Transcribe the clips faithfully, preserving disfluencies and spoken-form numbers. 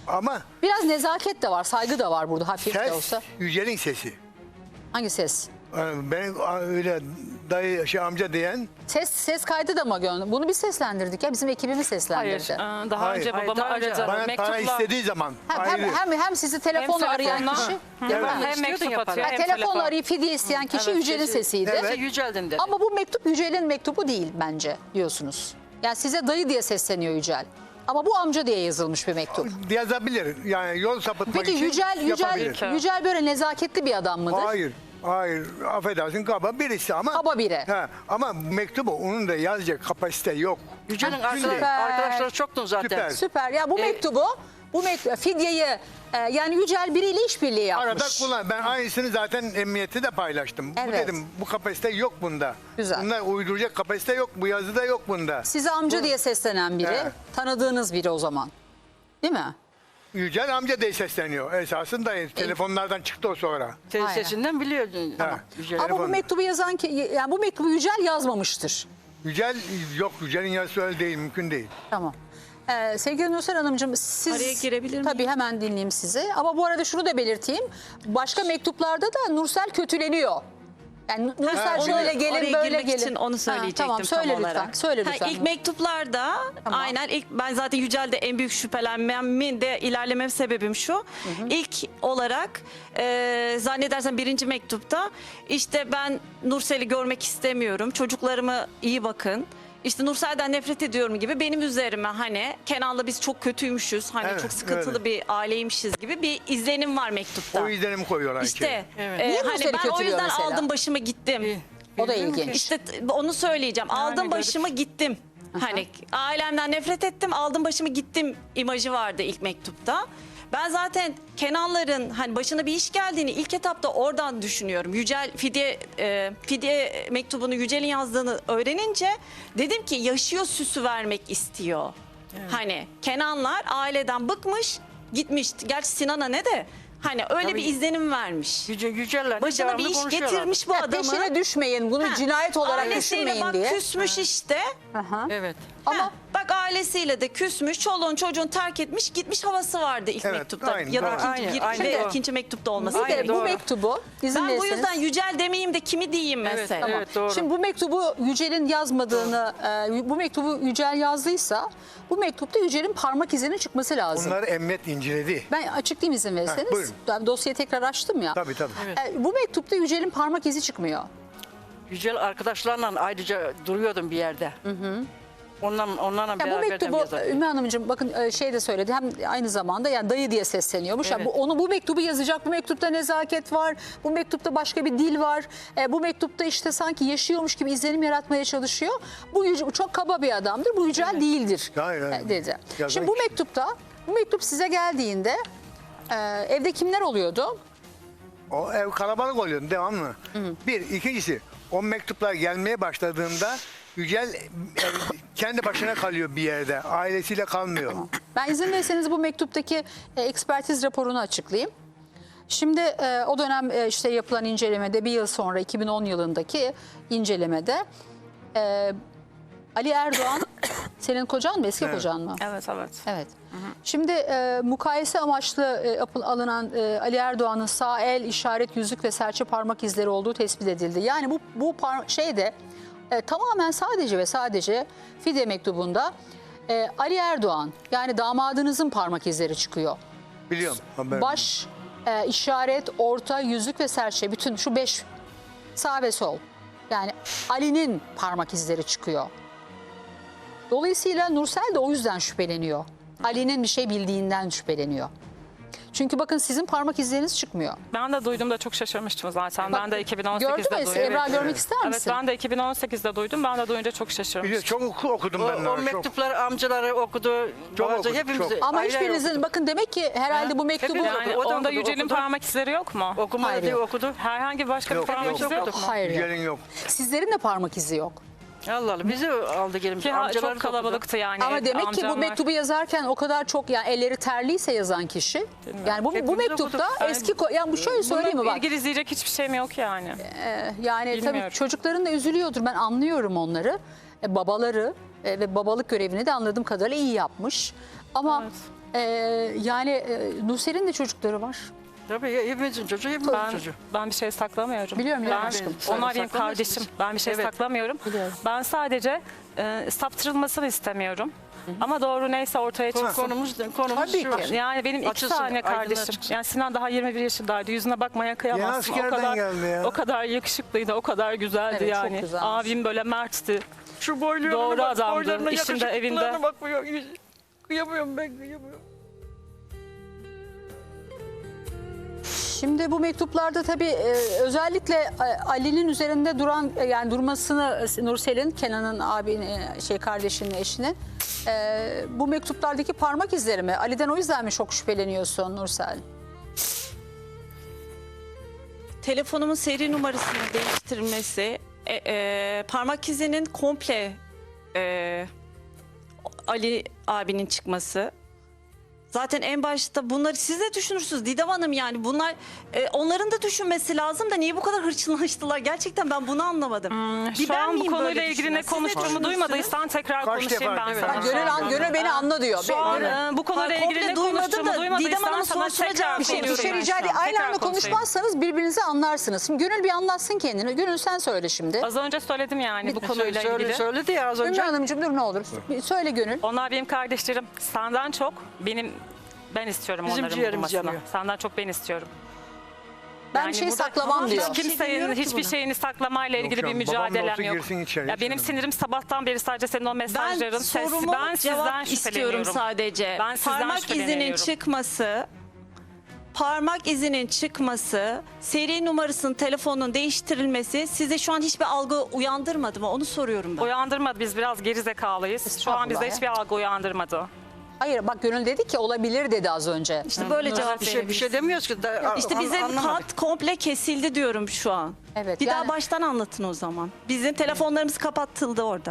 Ama Biraz nezaket de var, saygı da var burada hafif de ses olsa. Yücel'in sesi. Hangi ses? Yani ben öyle dayı şey amca diyen Ses ses kaydı da mı gönderdi? Bunu biz seslendirdik ya, bizim ekibimiz Hayır, seslendirdi. e, daha Hayır. önce Hayır, babamı daha önce aradı. bana para Mektupla istediği zaman Hem, ayrı. hem, hem, hem sizi telefonla Hem arayan telefonla- kişi, Hı, değil mi? hem istiyordun mektup ya atıyor para. hem telefonla telefon. arayıp fidye isteyen kişi Evet, Yücel'in sesi- sesiydi. Evet. Sesi Yücel'dim dedi. Ama bu mektup Yücel'in mektubu değil bence diyorsunuz. Yani size dayı diye sesleniyor Yücel. Ama bu amca diye yazılmış bir mektup. Yazabilir. Yani yol sapıtmak Peki için Yücel, Yücel, yapabilir. Yücel böyle nezaketli bir adam mıdır? Hayır. Hayır. Affedersin kaba birisi ama. Kaba biri. He, ama mektubu onun da yazacak kapasite yok. Yücel'in Ha, arkadaş, süper. arkadaşları çoktu zaten. Süper. Süper. Ya bu E, mektubu, bu mektubu, fidyeyi e, yani Yücel biriyle işbirliği yapmış. Arada kullan. Ben aynısını zaten emniyette de paylaştım. Bu Evet. dedim bu kapasite yok bunda. Güzel. Bunlar uyduracak kapasite yok. Bu yazıda yok bunda. Size amca diye seslenen biri, Evet. tanıdığınız biri o zaman. Değil mi? Yücel amca diye sesleniyor. Esasında telefonlardan çıktı o sonra. Senin Aynen. sesinden biliyordun. Ha. Yücel. Ama bu Telefon. mektubu yazan ki, yani bu mektubu Yücel yazmamıştır. Yücel yok. Yücel'in yazısı öyle değil. Mümkün değil. Tamam. Ee, sevgili Nursel Hanımcığım siz... Araya girebilir miyim? Tabii hemen dinleyeyim sizi. Ama bu arada şunu da belirteyim. Başka mektuplarda da Nursel kötüleniyor. Yani Nursel Ha, şöyle oraya- gelin Oraya böyle girmek gelin. için onu Ha, söyleyecektim tamam, söyle tam lütfen. olarak. Söyle Ha, lütfen. ilk mektuplarda Tamam. aynen ilk ben zaten Yücel'de en büyük şüphelenmemin de ilerlemem sebebim şu. İlk olarak e, zannedersem birinci mektupta işte ben Nursel'i görmek istemiyorum. Çocuklarıma iyi bakın. İşte Nursel'den nefret ediyorum gibi benim üzerime hani Kenan'la biz çok kötüymüşüz. Hani Evet, çok sıkıntılı öyle. bir aileymişiz gibi bir izlenim var mektupta. O izlenim koyuyorlar İşte içeri. Evet. e, Niye hani Nursel'i ben o kötülüyor yüzden mesela? aldım başımı gittim. O da ilginç. İşte t- onu söyleyeceğim. aldım garip. başımı gittim. Hani ailemden nefret ettim, aldım başımı gittim imajı vardı ilk mektupta. Ben zaten Kenanların hani başına bir iş geldiğini ilk etapta oradan düşünüyorum. Yücel fidye e, fidye mektubunu Yücel'in yazdığını öğrenince dedim ki yaşıyor süsü vermek istiyor. Hani Kenanlar aileden bıkmış, gitmiş. Gerçi Sinan'a ne de hani öyle Tabii. bir izlenim vermiş. Yüce, Yücel'le Başına bir devamlı iş konuşuyorlar. getirmiş bu Ya adamı. peşine düşmeyin, bunu Ha, cinayet olarak ailesiyle düşünmeyin bak diye. küsmüş işte. Aha. Evet. Ama Ama bak ailesiyle de küsmüş, çoluğun çocuğun terk etmiş, gitmiş havası vardı ilk Evet, mektupta. aynı, ya da doğru. ikinci, Aynı, bir- aynı, ve doğru. ikinci mektupta olması. bir de Aynen, bu doğru. mektubu izin Ben bu verirseniz- yüzden Yücel demeyeyim de kimi diyeyim Evet, mesela. evet, doğru. Şimdi bu mektubu Yücel'in yazmadığını, e, bu mektubu Yücel yazdıysa bu mektupta Yücel'in parmak izinin çıkması lazım. Bunları emniyet inceledi. Ben açıklayayım izin verirseniz. buyurun. Ben dosyayı tekrar açtım ya. Tabii tabii. E, bu mektupta Yücel'in parmak izi çıkmıyor. Yücel arkadaşlarla ayrıca duruyordum bir yerde. Hı hı. Ondan, onlarla Ya bu beraber mektubu Ümmü Hanımcığım bakın e, şey de söyledi, hem aynı zamanda yani dayı diye sesleniyormuş. Ya Evet. bu, onu bu mektubu yazacak, bu mektupta nezaket var, bu mektupta başka bir dil var. E, bu mektupta işte sanki yaşıyormuş gibi izlenim yaratmaya çalışıyor. Bu Yüce- çok kaba bir adamdır, bu Yücel değildir Hayır, hayır. e, dedi. Yazan Şimdi bu kişi. mektupta, bu mektup size geldiğinde e, evde kimler oluyordu? O ev kalabalık oluyor devamlı. Bir, ikincisi o mektuplar gelmeye başladığında Yücel e, kendi başına kalıyor bir yerde. Ailesiyle kalmıyor. Ben izin verirseniz bu mektuptaki e, ekspertiz raporunu açıklayayım. Şimdi e, o dönem e, işte yapılan incelemede bir yıl sonra iki bin on yılındaki incelemede e, Ali Erdoğan senin kocan mı, eski Evet. kocan mı? Evet, evet. Evet. Şimdi e, mukayese amaçlı e, yapıl- alınan e, Ali Erdoğan'ın sağ el, işaret, yüzük ve serçe parmak izleri olduğu tespit edildi. Yani bu bu par- şeyde e, tamamen sadece ve sadece fidye mektubunda e, Ali Erdoğan yani damadınızın parmak izleri çıkıyor. Biliyorum. haberim. Baş, e, işaret, orta, yüzük ve serçe, bütün şu beş, sağ ve sol. Yani Ali'nin parmak izleri çıkıyor. Dolayısıyla Nursel de o yüzden şüpheleniyor. Ali'nin bir şey bildiğinden şüpheleniyor. Çünkü bakın sizin parmak izleriniz çıkmıyor. Ben de duydum da çok şaşırmıştım zaten. Bak, ben de iki bin on Gördün sekizde mü? duydum. Ebra Evet. görmek ister Evet, misin? ben de iki bin on sekizde duydum. Ben de duyunca çok şaşırmıştım. Biliyorum, çok oku- okudum O, ben. de, o çok. mektupları amcaları okudu. Çok babası, okudu, hepimiz çok. Ama ayrı ayrı hiçbirinizin okuduk. bakın demek ki herhalde bu mektubu... Hepimiz Yani O da onda okudu, Yücel'in okudu. parmak izleri yok mu? Okumadı Hayır, diye yok. okudu. Herhangi başka Yok, bir parmak yok, izi yok mu? Hayır yok. Yücel'in yok. Sizlerin de parmak izi yok. Allah Allah bizi aldı gelin. Ki ha- Amcaları çok da okudu. kalabalıktı yani. Ama demek ki bu amcamlar. mektubu yazarken o kadar çok yani elleri terliyse yazan kişi. Yani bu, bu Hepimiz mektupta okuduk. Yani eski ko- yani bu şöyle söyleyeyim mi Bununla bak. ilgili izleyecek hiçbir şeyim yok yani. Ee, yani tabii Bilmiyorum. çocukların da üzülüyordur. Ben anlıyorum onları. E, babaları e, ve babalık görevini de anladığım kadarıyla iyi yapmış. Ama Ee, yani e, Nursel'in de çocukları var. Tabii ya, hepimizin çocuğu, hepimizin Ben, çocuğu. ben bir şey saklamıyorum. Biliyorum, biliyorum ben, aşkım. Sen Onlar benim saklamıyorsun. kardeşim. Ben bir şey Evet. saklamıyorum. Biliyorum. Ben sadece e, saptırılmasını istemiyorum. Ama doğru neyse ortaya çıksın. Konumuz, konumuz Tabii şu ki. var. Yani benim iki Açılsın, tane aydınlığa kardeşim. çıksın. Yani Sinan daha yirmi bir yaşındaydı. Yüzüne bakmaya Yeni kıyamazsın. O askerden kadar, geldi ya. o kadar yakışıklıydı, o kadar güzeldi Evet, çok yani. güzelmiş. Abim böyle mertti. Şu boylarına Doğru bak, adamdı. boylarına, İşinde, yakışıklılarına evinde. bakmıyor. Kıyamıyorum ben, kıyamıyorum. Şimdi bu mektuplarda tabii e, özellikle e, Ali'nin üzerinde duran e, yani durmasını e, Nursel'in, Kenan'ın abinin e, şey kardeşinin eşinin e, bu mektuplardaki parmak izleri mi? Ali'den o yüzden mi çok şüpheleniyorsun Nursel? Telefonumun seri numarasını değiştirilmesi, e, e, parmak izinin komple e, Ali abinin çıkması. Zaten en başta bunları siz de düşünürsünüz Didem Hanım, yani bunlar e, onların da düşünmesi lazım da niye bu kadar hırçınlaştılar? Gerçekten ben bunu anlamadım. Bir Şu ben an bu miyim konuyla böyle ilgili ne düşünen? Siz de konuştuğumu düşünürsünüz. duymadıysan tekrar Kaç konuşayım defa? ben Evet. sana. Ha, Gönül, an, Gönül beni anla diyor. Şu an Gönül- e, bu konuyla Ha, ilgili komple ne duymadım konuştuğumu da Didem duymadıysan Hanım'ın sana sorusuna tekrar cevap Bir şey, bir veriyorum şey ben rica şu edeyim. an. Aynı Tekrar anda konuşayım. konuşmazsanız birbirinizi anlarsınız. Şimdi Gönül bir anlatsın kendini. Gönül sen söyle şimdi. Az önce söyledim yani bu konuyla Söyle, ilgili. söyledi ya az Ümmü önce. Hanımcığım dur ne olur. Bir söyle Gönül. Onlar benim kardeşlerim. Senden çok benim ben istiyorum Bizim onların ciğerimiz bulunmasını. yanıyor. Senden çok ben istiyorum. Ben Yani bir şey burada saklamam hiç diyor. Bir şey kimsenin demiyorum ki hiçbir buna. şeyini saklamayla ilgili bir canım, babam da mücadelem olsa yok. girsin içeri, Ya hiç benim önemli sinirim sabahtan beri sadece senin o Ben mesajların sesi. sorumu Ben sizden cevap istiyorum şüpheleniyorum. sadece. Ben sizden Parmak izinin şüpheleniyorum. çıkması, parmak izinin çıkması, seri numarasının telefonunun değiştirilmesi size şu an hiçbir algı uyandırmadı mı? Onu soruyorum ben. Uyandırmadı, biz biraz gerizekalıyız. Şu an Estağfurullah bizde ya. hiçbir algı uyandırmadı. Hayır bak Gönül dedi ki olabilir dedi az önce. İşte böyle cevap Bir şey, bir şey demiyoruz ki. Da, İşte an- bize anlamadık. hat komple kesildi diyorum şu an. Evet, Bir yani- daha baştan anlatın o zaman. Bizim telefonlarımız kapatıldı orada.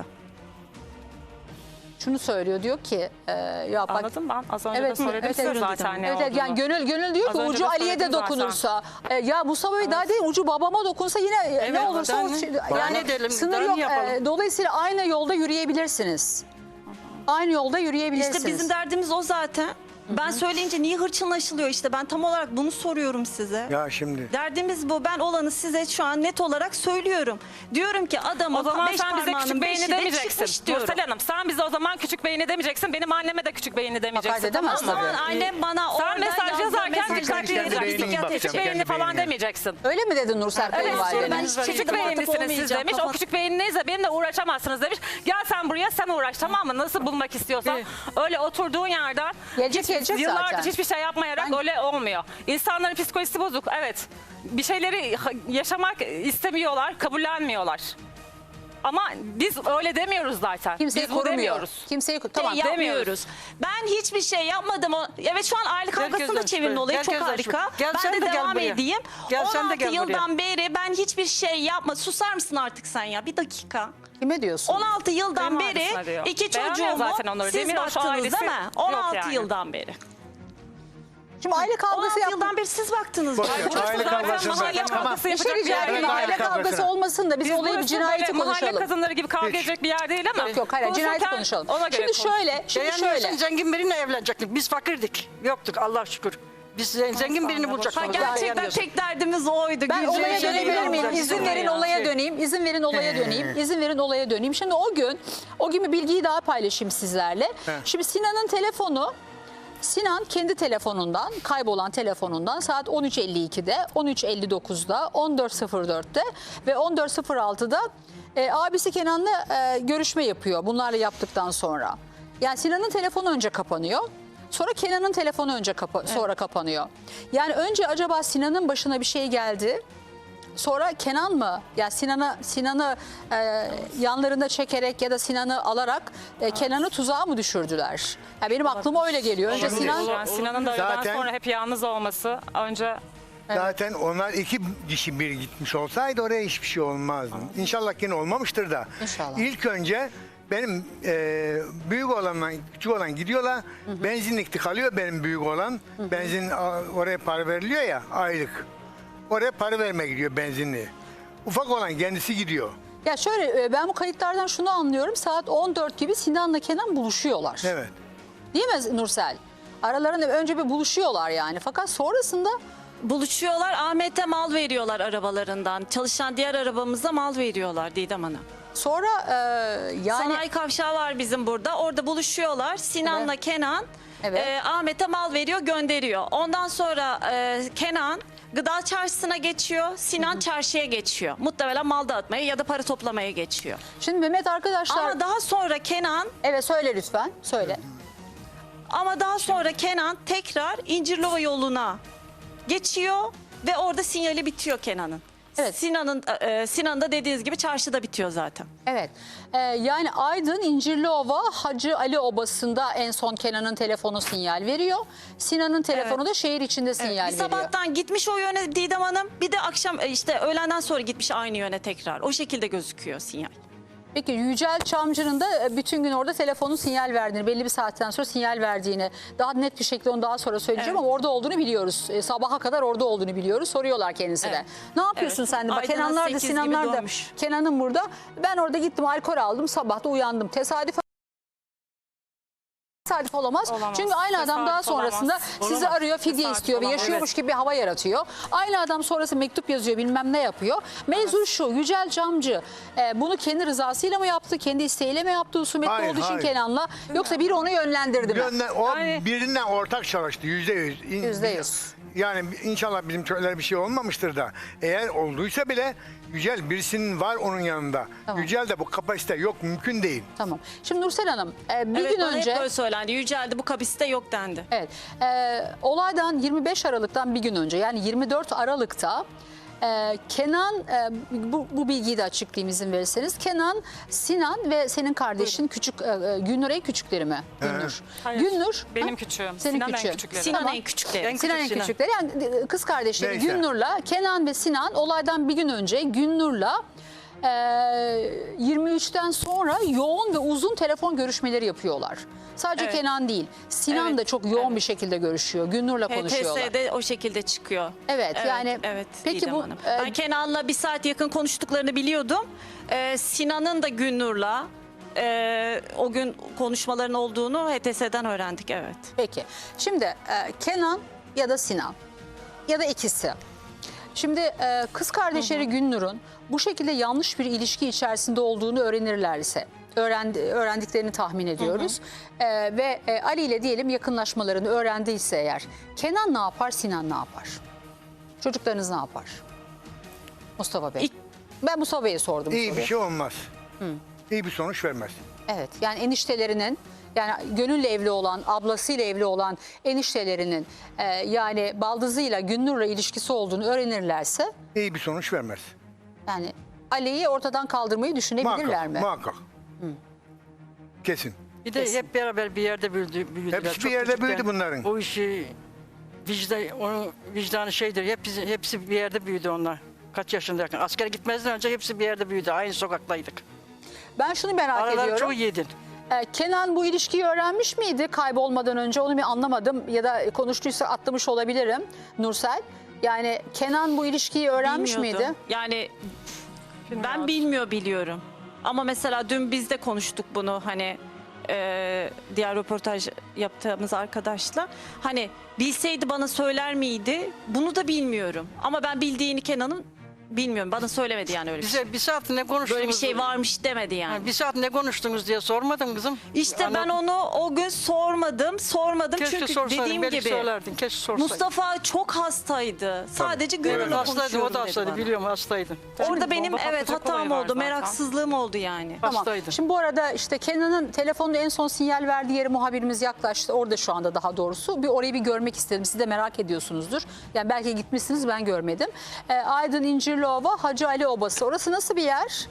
Şunu söylüyor diyor ki e, ya bak Anladın mı? Ben az önce Evet, de söyledim evet, size evet. zaten ne evet, evet, olduğunu. yani Gönül Gönül diyor Az ki önce ucu de Ali'ye de söyledim zaten. dokunursa e, ya Mustafa Bey daha değil ucu babama dokunsa yine e, ne Evet, olursa daha o ne- şey- daha yani ne edelim, sınır daha ne yok. yapalım? E, dolayısıyla aynı yolda yürüyebilirsiniz. Aynı yolda yürüyebilirsiniz. İşte bizim derdimiz o zaten. Ben söyleyince niye hırçınlaşılıyor işte, ben tam olarak bunu soruyorum size. Ya şimdi. Derdimiz bu. Ben olanı size şu an net olarak söylüyorum. Diyorum ki adamın O zaman beş sen bize parmağının küçük beyni beşi de demeyeceksin. çıkmış diyorum. Nursel Hanım sen bize o zaman küçük beyni demeyeceksin. Benim anneme de küçük beyni demeyeceksin. Hakaret edemez O tamam mı? zaman annem bana Sen orada mesaj yazdığı yazarken mesajları dikkatli kendi yazacaksın. beynine Küçük bakacağım, beyni kendi falan beynine. demeyeceksin. Öyle mi dedi Nursel Evet, kayınvalideniz? ben hiçbir küçük şekilde muhatap beğenisiniz siz olmayacağım, demiş. O kapat. küçük beğeninizle benimle uğraşamazsınız demiş. Gel sen buraya sen uğraş tamam mı? Nasıl bulmak istiyorsan. Öyle oturduğun yerden Gelecek, hiç- gelecek yıllardır zaten. hiçbir şey yapmayarak Ben- öyle olmuyor. İnsanların psikolojisi bozuk evet. Bir şeyleri ha- yaşamak istemiyorlar, kabullenmiyorlar. Ama biz öyle demiyoruz zaten. Kimseyi biz bu korumuyor. demiyoruz. Kimseyi Şey tamam. yapmıyoruz. Ben hiçbir şey yapmadım. O- Evet şu an aile kavgasını da Herkes çevirin açık. olayı çok Herkes açık. harika. Gel ben sen de, de gel devam buraya. edeyim. Gel sen de on altı gel buraya. yıldan beri ben hiçbir şey yapma. Susar mısın artık sen ya? Bir dakika. Kime diyorsun? on altı yıldan Kayınvalidesine beri diyor. iki Beğenmiyor çocuğumu zaten onları. siz Demir o şu baktınız ailesi değil mi? yok on altı yani. yıldan beri. Şimdi aile on kavgası altı yaptın. yıldan beri siz baktınız. Boş bana. ver, Burası aile zaten kavgası mahalle zaten. Tamam. kavgası Bir şey yapacak bir rica yer ederim. değil. Aile Aile kavgası kavgasına. olmasın da biz, Biz olayı bir burası cinayeti böyle konuşalım. Mahalle kadınları gibi kavga Hiç. edecek bir yer değil ama. Yok yok hayır cinayeti konuşurken konuşalım. ona göre Şimdi konuş. şöyle, şimdi Beğenmiyorsan şöyle. zengin biriyle evlenecektik. Biz fakirdik. Yoktuk Allah'a şükür. Biz zen- zengin birini Ha, bulacaktık. gerçekten tek derdimiz oydu. Ben Güzel olaya şey dönebilir değil. miyim? olacak, İzin şey verin ya. olaya Şey. döneyim. İzin verin olaya döneyim. İzin verin olaya döneyim. Şimdi o gün, o gün bir bilgiyi daha paylaşayım sizlerle. Şimdi Sinan'ın telefonu, Sinan kendi telefonundan, kaybolan telefonundan saat on üç elli ikide, on üç elli dokuzda, on dört sıfır dörtte ve on dört sıfır altıda e, abisi Kenan'la e, görüşme yapıyor bunlarla yaptıktan sonra. Yani Sinan'ın telefonu önce kapanıyor. Sonra Kenan'ın telefonu önce kapa- sonra kapanıyor. Yani önce acaba Sinan'ın başına bir şey geldi. Sonra Kenan mı? Ya Sinan'ı Sinan'ı e, yanlarında çekerek ya da Sinan'ı alarak e, Kenan'ı tuzağa mı düşürdüler? Ya benim aklıma öyle geliyor. Önce Olabilir. Sinan Yani Sinan'ın da öğleden Zaten- sonra hep yalnız olması önce Zaten onlar iki kişi bir gitmiş olsaydı oraya hiçbir şey olmazdı. İnşallah yine olmamıştır da. İnşallah. İlk önce benim e, büyük olanla küçük olan gidiyorlar. Benzinlikte kalıyor benim büyük olan. Benzin a, oraya para veriliyor ya aylık. Oraya para vermeye gidiyor benzinliği. Ufak olan kendisi gidiyor. ya şöyle e, ben bu kayıtlardan şunu anlıyorum. Saat on dört gibi Sinan'la Kenan buluşuyorlar. Evet. Değil mi Nursel? Aralarında önce bir buluşuyorlar yani. Fakat sonrasında Buluşuyorlar, Ahmet'e mal veriyorlar arabalarından. Çalışan diğer arabamıza mal veriyorlar Didem Hanım. sonra e, yani Sanayi kavşağı var bizim burada. Orada buluşuyorlar. Sinan'la Evet. Kenan Evet. e, Ahmet'e mal veriyor, gönderiyor. Ondan sonra e, Kenan gıda çarşısına geçiyor. Sinan çarşıya geçiyor. Muhtemelen mal dağıtmaya ya da para toplamaya geçiyor. şimdi Mehmet arkadaşlar Ama daha sonra Kenan evet söyle lütfen söyle. ama daha sonra Kenan tekrar İncirlova yoluna geçiyor ve orada sinyali bitiyor Kenan'ın. Evet. Sinan'ın e, Sinan da dediğiniz gibi çarşıda bitiyor zaten. Evet. Ee, yani Aydın İncirliova Hacı Ali Obası'nda en son Kenan'ın telefonu sinyal veriyor. Sinan'ın telefonu Evet. da şehir içinde sinyal Bir veriyor. sabahtan gitmiş o yöne Didem Hanım. Bir de akşam e, işte öğlenden sonra gitmiş aynı yöne tekrar. O şekilde gözüküyor sinyal. Peki Yücel Çamcı'nın da bütün gün orada telefonu sinyal verdiğini, belli bir saatten sonra sinyal verdiğini, daha net bir şekilde onu daha sonra söyleyeceğim Evet. ama orada olduğunu biliyoruz. E, sabaha kadar orada olduğunu biliyoruz. Soruyorlar kendisine. Evet. Ne yapıyorsun Evet. sen de? Bak Aydın'a Kenanlar da sekiz gibi Sinanlar da. dönmüş. Kenan'ın burada. Ben orada gittim alkol aldım. Sabah da uyandım. Tesadüf Tesadüf olamaz. Olamaz. Çünkü aynı adam daha Tesadüf sonrasında olamaz. sizi Olamaz. arıyor, fidye Tesadüf istiyor ve olamaz. yaşıyormuş gibi bir hava yaratıyor. Aynı adam sonrası mektup yazıyor, bilmem ne yapıyor. Mevzu şu, Yücel Camcı e, bunu kendi rızasıyla mı yaptı, kendi isteğiyle mi yaptı, husumetli Hayır, olduğu için hayır. Kenan'la, yoksa biri onu yönlendirdi mi? Gönder, o Yani- birinden ortak çalıştı yüzde yüz. İn- Yüzde yüz. Yani inşallah bizim köylere bir şey olmamıştır da. Eğer olduysa bile Yücel birisinin var onun yanında. Tamam. Yücel de bu kapasite yok, mümkün değil. Tamam. Şimdi Nursel Hanım, e, bir evet, gün bana önce... hep böyle söylendi. Yücel'de bu kapasite yok dendi. Evet. E, olaydan yirmi beş Aralık'tan bir gün önce, yani yirmi dört Aralık'ta e, Kenan, e, bu, bu bilgiyi de açıklayayım izin verirseniz. Kenan, Sinan ve senin kardeşin küçük e, e, Günnur en küçükleri mi? Günnur. Hayır. Günnur. Benim ha? küçüğüm. Senin Sinan en küçüğün. küçükleri. Sinan Tamam. en küçükleri. En Sinan en Sinan. küçükleri, yani e, kız kardeşleri Neyse. Günnur'la, Kenan ve Sinan olaydan bir gün önce Günnur'la e, yirmi üçten sonra yoğun ve uzun telefon görüşmeleri yapıyorlar. Sadece Evet. Kenan değil, Sinan Evet, da çok yoğun evet. bir şekilde görüşüyor. Günnur'la konuşuyorlar. H T S'de o şekilde çıkıyor. Evet, yani evet, peki Didem bu, Hanım. e, ben Kenan'la bir saat yakın konuştuklarını biliyordum. Ee, Sinan'ın da Günnur'la e, o gün konuşmaların olduğunu H T S'den öğrendik, evet. Peki. Şimdi e, Kenan ya da Sinan ya da ikisi. Şimdi e, kız kardeşleri Günnur'un bu şekilde yanlış bir ilişki içerisinde olduğunu öğrenirlerse, öğrendi, öğrendiklerini tahmin ediyoruz. E, ve e, Ali ile diyelim yakınlaşmalarını öğrendiyse eğer, Kenan ne yapar, Sinan ne yapar? Çocuklarınız ne yapar? Mustafa Bey. İlk- Ben Mustafa Bey'e sordum. İyi soruyu. bir şey olmaz. İyi bir sonuç vermez. Evet, yani eniştelerinin, yani Gönül'le evli olan, ablasıyla evli olan eniştelerinin e, yani baldızıyla, Günnur'la ilişkisi olduğunu öğrenirlerse, İyi bir sonuç vermez. yani Ali'yi ortadan kaldırmayı düşünebilirler Muhakkak, mi? muhakkak. Kesin. Bir de hep beraber bir yerde büyüdü, büyüdüler. Hepsi bir Çok yerde küçükten. büyüdü bunların. O işi vicdan, onun vicdanı şeydir. Hepsi, hepsi bir yerde büyüdü onlar. Kaç yaşındayken. Askere gitmezden önce hepsi bir yerde büyüdü. Aynı sokaktaydık. Ben şunu merak Araları ediyorum. çok iyiydi. E, Kenan bu ilişkiyi öğrenmiş miydi kaybolmadan önce? Onu bir anlamadım ya da konuştuysa atlamış olabilirim Nursel. Yani Kenan bu ilişkiyi öğrenmiş Bilmiyordum. miydi? Yani ben Bilmiyorum. bilmiyor biliyorum. Ama mesela dün biz de konuştuk bunu, hani e, diğer röportaj yaptığımız arkadaşla. Hani bilseydi bana söyler miydi? Bunu da bilmiyorum. Ama ben bildiğini Kenan'ın bilmiyorum. Bana söylemedi yani öyle bir şey. Bize bir saat ne konuştunuz? Böyle bir şey varmış demedi yani. Ha, bir saat ne konuştunuz diye sormadın kızım. İşte ben Anlat- onu o gün sormadım, sormadım Keşke çünkü sorsaydın, dediğim belki gibi söylerdin. Keşke sorsaydın. Mustafa çok hastaydı. Sadece Gönül'le Evet, hastaydı, konuşuyorum o da dedi hastaydı, bana. biliyorum hastaydı. Orada benim bomba evet patlayacak hatam olayı var oldu, zaten. meraksızlığım oldu yani. Tamam. Hastaydı. Şimdi bu arada işte Kenan'ın telefonda en son sinyal verdiği yere muhabirimiz yaklaştı. Orada şu anda daha doğrusu. Bir orayı bir görmek istedim. Siz de merak ediyorsunuzdur. Yani belki gitmişsiniz, ben görmedim. E, Aydın İncirliova Hacı Ali Obası. Orası nasıl bir yer?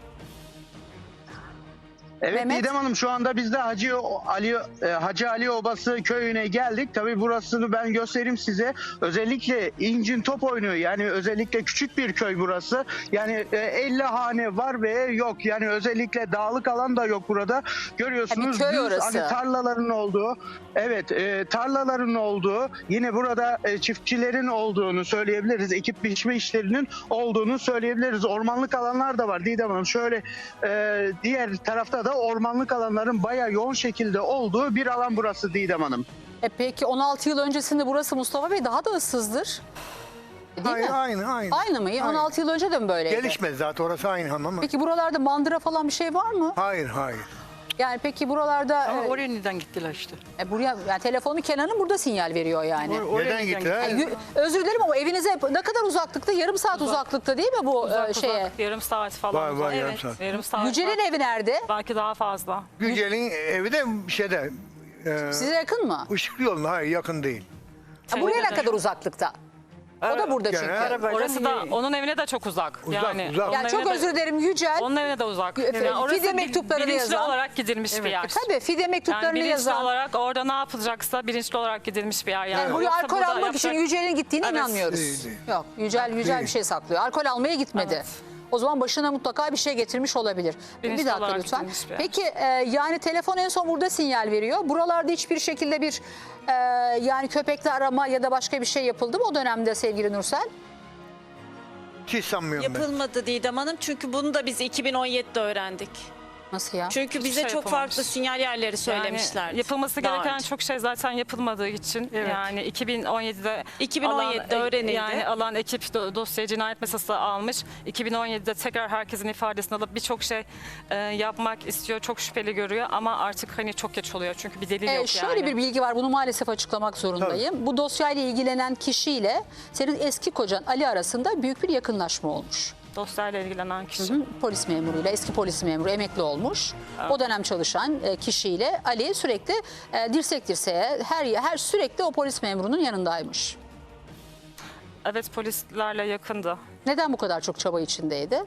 Evet Mehmet? Didem Hanım, şu anda biz de Hacı Ali e, Hacı Ali Obası köyüne geldik. Tabii burasını ben göstereyim size. Özellikle incin top oynuyor. Yani özellikle küçük bir köy burası. Yani e, elli hane var ve yok. Yani özellikle dağlık alan da yok burada. Görüyorsunuz Ha, bir köy düz, orası. hani tarlaların olduğu. Evet, e, tarlaların olduğu. Yine burada e, çiftçilerin olduğunu söyleyebiliriz. Ekip biçme işlerinin olduğunu söyleyebiliriz. Ormanlık alanlar da var Didem Hanım. Şöyle e, diğer tarafta da ormanlık alanların bayağı yoğun şekilde olduğu bir alan burası Didem Hanım. E peki on altı yıl öncesinde burası Mustafa Bey daha da ıssızdır. Değil Aynı, mi? aynı, aynı. Aynı mı? on altı yıl önce de mi böyleydi? Gelişmedi zaten, orası aynı hamam ama. Peki buralarda mandıra falan bir şey var mı? Hayır, hayır. Yani peki buralarda Ama e, oraya neden gittiler işte? e, buraya yani telefonu Kenan'ın burada sinyal veriyor yani. Or- oraya Neden neden gittiler? Yani yü- özür dilerim ama evinize ne kadar uzaklıkta? Yarım saat uzaklıkta değil mi bu Uzak e, şeye? uzak, yarım saat falan. Var, var, uzak. yarım Evet, saat. yarım saat. Yücel'in var. evi nerede? Belki daha fazla. Yücel'in evi de şeyde, e, Size yakın mı? Işıklı yoluna, hayır yakın değil. Ha, buraya ne Şeyde de- kadar uzaklıkta? O da burada çünkü. Gene- Arabayla Orası da niye- onun evine de çok uzak. Uzak, yani uzak. onun Yani çok evine de- özür dilerim Yücel. Onun evine de uzak. Fide Yani orası bil- mektuplarını bilinçli yazan. olarak gidilmiş bir yer. E, tabii fide Yani mektuplarını bilinçli yazan. olarak orada ne yapılacaksa bilinçli olarak gidilmiş bir yer. Yani, Yani buraya Yoksa alkol burada almak için yapacak- Yücel'in gittiğine Evet. inanmıyoruz. Değil, değil. Yok, Yücel Yücel Değil. bir şey saklıyor. Alkol almaya gitmedi. Evet. O zaman başına mutlaka bir şey getirmiş olabilir. Bilinçli bir dakika olarak lütfen. gidilmiş bir yer. Peki e, yani telefon en son burada sinyal veriyor. Buralarda hiçbir şekilde bir e, yani köpekle arama ya da başka bir şey yapıldı mı o dönemde sevgili Nursel? Hiç sanmıyorum ben. Yapılmadı Didem Hanım çünkü bunu da biz iki bin on yedide öğrendik. Nasıl ya? Çünkü bize şey çok yapılmamış. farklı sinyal yerleri söylemişler. Yani yapılması daha gereken önce. çok şey zaten yapılmadığı için Evet. yani iki bin on yedide iki bin on yedide alan, öğrenildi. Yani alan ekip do- dosyayı cinayet masası almış. iki bin on yedide tekrar herkesin ifadesini alıp birçok şey e, yapmak istiyor. Çok şüpheli görüyor ama artık hani çok geç oluyor. Çünkü bir delil Ee, yok şöyle yani. bir bilgi var, bunu maalesef açıklamak zorundayım. Bu dosyayla ilgilenen kişiyle senin eski kocan Ali arasında büyük bir yakınlaşma olmuş. Dosyayla ilgilenen kişi. Hı, polis memuruyla, eski polis memuru emekli olmuş. O dönem çalışan e, kişiyle Ali sürekli e, dirsek dirseğe her her sürekli o polis memurunun yanındaymış. Evet, polislerle yakındı. Neden bu kadar çok çaba içindeydi?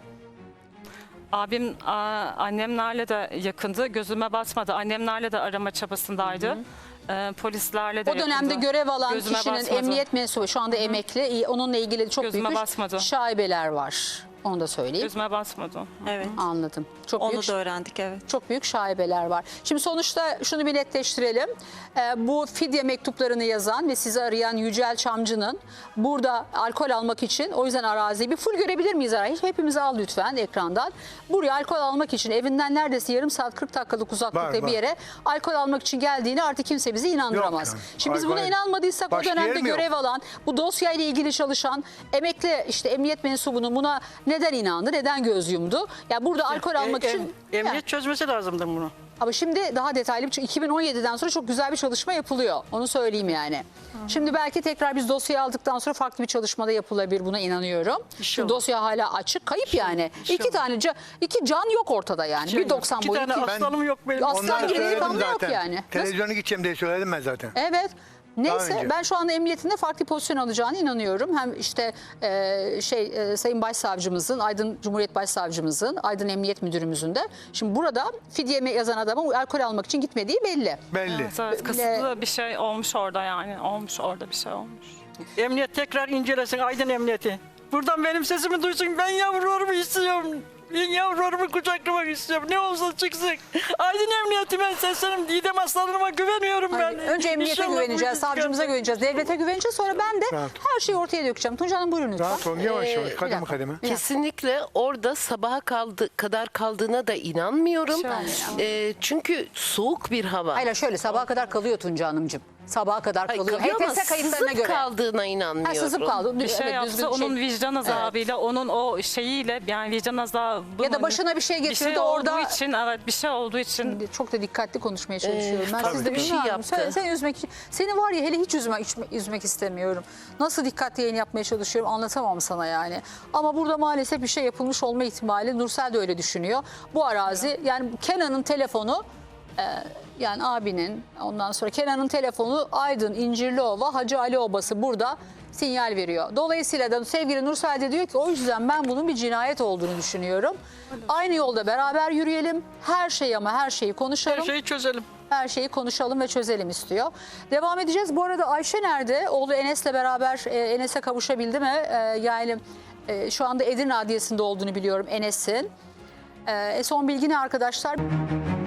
Abim a, annemlerle de yakındı. Gözüme batmadı. Annemlerle de arama çabasındaydı. Ee, polislerle de O dönemde yakındı. görev alan Gözüme kişinin basmadı. emniyet mensubu şu anda emekli. İyi, onunla ilgili çok Gözüme büyük basmadı. şaibeler var. Onu da söyleyeyim. Gözüme batmadı. Evet. Anladım. Çok Onu büyük da öğrendik evet. Çok büyük şaibeler var. Şimdi sonuçta şunu bir netleştirelim. Ee, bu fidye mektuplarını yazan ve sizi arayan Yücel Çamcı'nın burada alkol almak için, o yüzden araziyi bir full görebilir miyiz? Arayı? Hepimizi al lütfen ekrandan. Buraya alkol almak için evinden neredeyse yarım saat kırk dakikalık uzaklıkta Var, bir var. yere alkol almak için geldiğini artık kimse bizi inandıramaz. Yok yani. Şimdi biz Alkol- buna inanmadıysak o Başka dönemde yer mi yok? görev alan, bu dosyayla ilgili çalışan emekli işte emniyet mensubunun buna neden inandı, neden göz yumdu? Ya burada alkol almak E- için... em- Ya. emniyet çözmesi lazımdı bunu. Ama şimdi daha detaylı bir iki bin on yediden sonra çok güzel bir çalışma yapılıyor. Onu söyleyeyim yani. Şimdi belki tekrar biz dosyayı aldıktan sonra farklı bir çalışmada yapılabilir, buna inanıyorum. İnşallah. Şimdi dosya hala açık, kayıp yani. İki tane ca- iki can yok ortada yani. bir doksan İki boyu. tane iki- aslanım yok benim. Aslan Ondan gibi söyledim delikanlı yok zaten. yani. Nasıl? Televizyona gideceğim diye söyledim ben zaten. Evet. Neyse önce. ben şu anda emniyetinde farklı pozisyon alacağını inanıyorum. Hem işte e, şey e, Sayın Başsavcımızın, Aydın Cumhuriyet Başsavcımızın, Aydın Emniyet Müdürümüzün de. Şimdi burada fidye yazan adamın alkol almak için gitmediği belli. Belli. Evet, evet. Kasıtlı bir şey olmuş orada yani. Olmuş orada bir şey olmuş. Emniyet tekrar incelesin, Aydın Emniyeti. Buradan benim sesimi duysun. Ben yavrularımı istiyorum. Ben yavrularımı kucaklamak istiyorum. Ne olsa çıksın. Aydın Emniyeti, ben seslenim. Didem aslanıma güveniyorum ben. Hayır, önce emniyete İnşallah bu güveneceğiz, iş savcımıza çıkar. güveneceğiz, devlete güveneceğiz. Sonra ben de Rahat. her şeyi ortaya dökeceğim. Tunca Hanım buyurun lütfen. Rahat olun, yavaş yavaş, bir kademe dakika. kademe. Bir dakika. Kesinlikle orada sabaha kaldı, kadar kaldığına da inanmıyorum. Ee, çünkü soğuk bir hava. Hayır şöyle sabaha kadar kalıyor Tunca Hanımcığım. Sabaha kadar Hayır, kalıyor. kalıyor ama H T S kayıtlarına sızıp göre. kaldığına inanmıyorum. Ha, sızıp kaldı. Bir şey Evet, yapsa düzgün şey- onun vicdan azabıyla, onun o şeyiyle yani vicdan azabı. Ya da başına bir şey getirdi bir şey orada- olduğu için, evet bir şey olduğu için. Çok da dikkatli konuşmaya çalışıyorum. ben tabii siz de bir şey bilmiyorum. yaptı. Sen, sen üzmek seni var ya hele hiç üzmek, üzmek, üzmek istemiyorum. Nasıl dikkatli yayın yapmaya çalışıyorum anlatamam sana yani. Ama burada maalesef bir şey yapılmış olma ihtimali, Nursel de öyle düşünüyor. Bu arazi yani Kenan'ın telefonu e, yani abinin, ondan sonra Kenan'ın telefonu Aydın, İncirliova, Hacı Ali Obası burada sinyal veriyor. Dolayısıyla da sevgili Nursel de diyor ki o yüzden ben bunun bir cinayet olduğunu düşünüyorum. Aynı yolda beraber yürüyelim. Her şeyi ama her şeyi konuşalım. Her şeyi çözelim. Her şeyi konuşalım ve çözelim istiyor. Devam edeceğiz. Bu arada Ayşe nerede? Oğlu Enes'le beraber e, Enes'e kavuşabildi mi? E, yani e, şu anda Edirne Adliyesi'nde olduğunu biliyorum Enes'in. E, son bilgi ne arkadaşlar?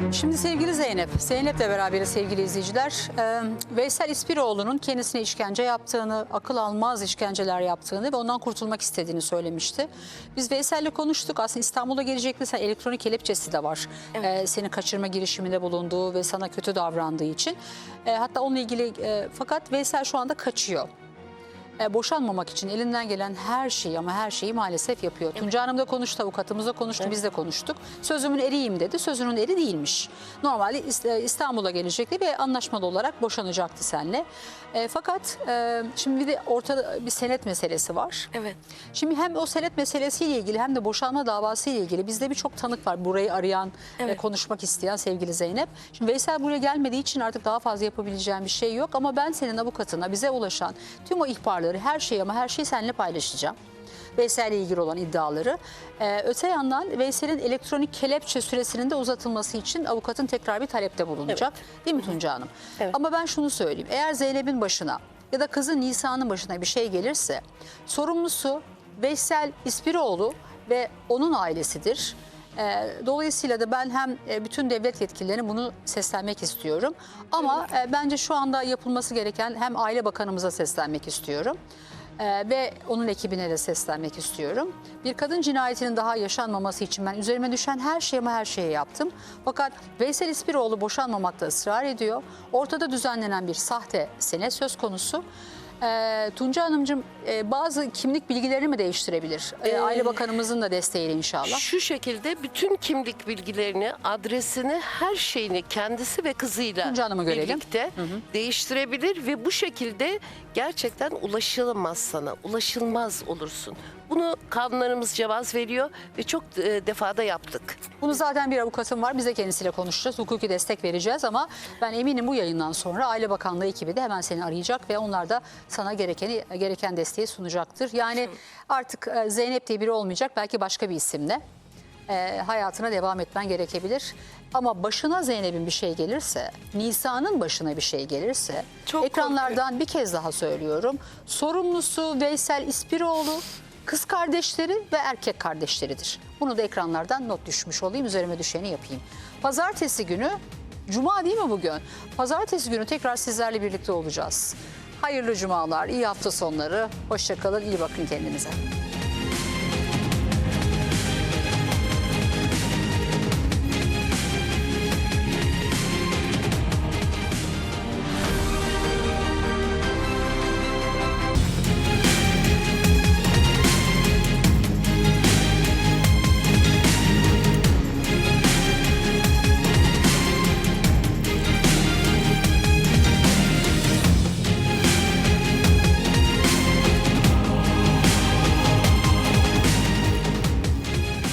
Şimdi sevgili Zeynep, Zeynep'le beraberiz sevgili izleyiciler. Ee, Veysel İspiroğlu'nun kendisine işkence yaptığını, akıl almaz işkenceler yaptığını ve ondan kurtulmak istediğini söylemişti. Biz Veysel'le konuştuk. Aslında İstanbul'a gelecekti. Sen elektronik kelepçesi de var. Ee, seni kaçırma girişiminde bulunduğu ve sana kötü davrandığı için. Ee, hatta onunla ilgili e, fakat Veysel şu anda kaçıyor. E, boşanmamak için elinden gelen her şeyi ama her şeyi maalesef yapıyor. Evet. Tunca Hanım da konuştu, avukatımız da konuştu, evet. Biz de konuştuk. Sözümün eriyim dedi. Sözünün eri değilmiş. Normalde İstanbul'a gelecekti ve anlaşmalı olarak boşanacaktı seninle. E, fakat e, şimdi bir de ortada bir senet meselesi var. Evet. Şimdi hem o senet meselesiyle ilgili hem de boşanma davası ile ilgili bizde birçok tanık var. Burayı arayan evet. ve konuşmak isteyen sevgili Zeynep. Şimdi Veysel buraya gelmediği için artık daha fazla yapabileceğim bir şey yok. Ama ben senin avukatına bize ulaşan tüm o ihbarları, her şeyi ama her şeyi seninle paylaşacağım. Veysel'le ilgili olan iddiaları. Ee, öte yandan Veysel'in elektronik kelepçe süresinin de uzatılması için avukatın tekrar bir talepte bulunacak. Evet. Değil mi Tunca Hanım? Evet. Ama ben şunu söyleyeyim. Eğer Zeynep'in başına ya da kızı Nisa'nın başına bir şey gelirse sorumlusu Veysel İspiroğlu ve onun ailesidir. Dolayısıyla da ben hem bütün devlet yetkililerine bunu seslenmek istiyorum. Ama evet. bence şu anda yapılması gereken hem Aile Bakanımıza seslenmek istiyorum. Ve onun ekibine de seslenmek istiyorum. Bir kadın cinayetinin daha yaşanmaması için ben üzerime düşen her şeyi ama her şeyi yaptım. Fakat Veysel İspiroğlu boşanmamakta ısrar ediyor. Ortada düzenlenen bir sahte senet söz konusu. E, Tunca Hanımcığım e, bazı kimlik bilgilerini mi değiştirebilir? E, Aile Bakanımızın da desteğiyle inşallah. Şu şekilde bütün kimlik bilgilerini, adresini, her şeyini kendisi ve kızıyla birlikte hı hı. değiştirebilir ve bu şekilde gerçekten ulaşılamaz sana, ulaşılmaz olursun. Bunu kanunlarımız cevaz veriyor ve çok e, defada yaptık. Bunu zaten bir avukatım var. Biz de kendisiyle konuşacağız. Hukuki destek vereceğiz ama ben eminim bu yayından sonra Aile Bakanlığı ekibi de hemen seni arayacak ve onlar da sana gerekeni, gereken desteği sunacaktır. Yani artık e, Zeynep diye biri olmayacak. Belki başka bir isimle e, hayatına devam etmen gerekebilir. Ama başına Zeynep'in bir şey gelirse, Nisa'nın başına bir şey gelirse çok ekranlardan bir kez daha söylüyorum. Sorumlusu Veysel İspiroğlu, kız kardeşleri ve erkek kardeşleridir. Bunu da ekranlardan not düşmüş olayım. Üzerime düşeni yapayım. Pazartesi günü, Cuma değil mi bugün? Pazartesi günü tekrar sizlerle birlikte olacağız. Hayırlı cumalar, iyi hafta sonları. Hoşça kalın, iyi bakın kendinize.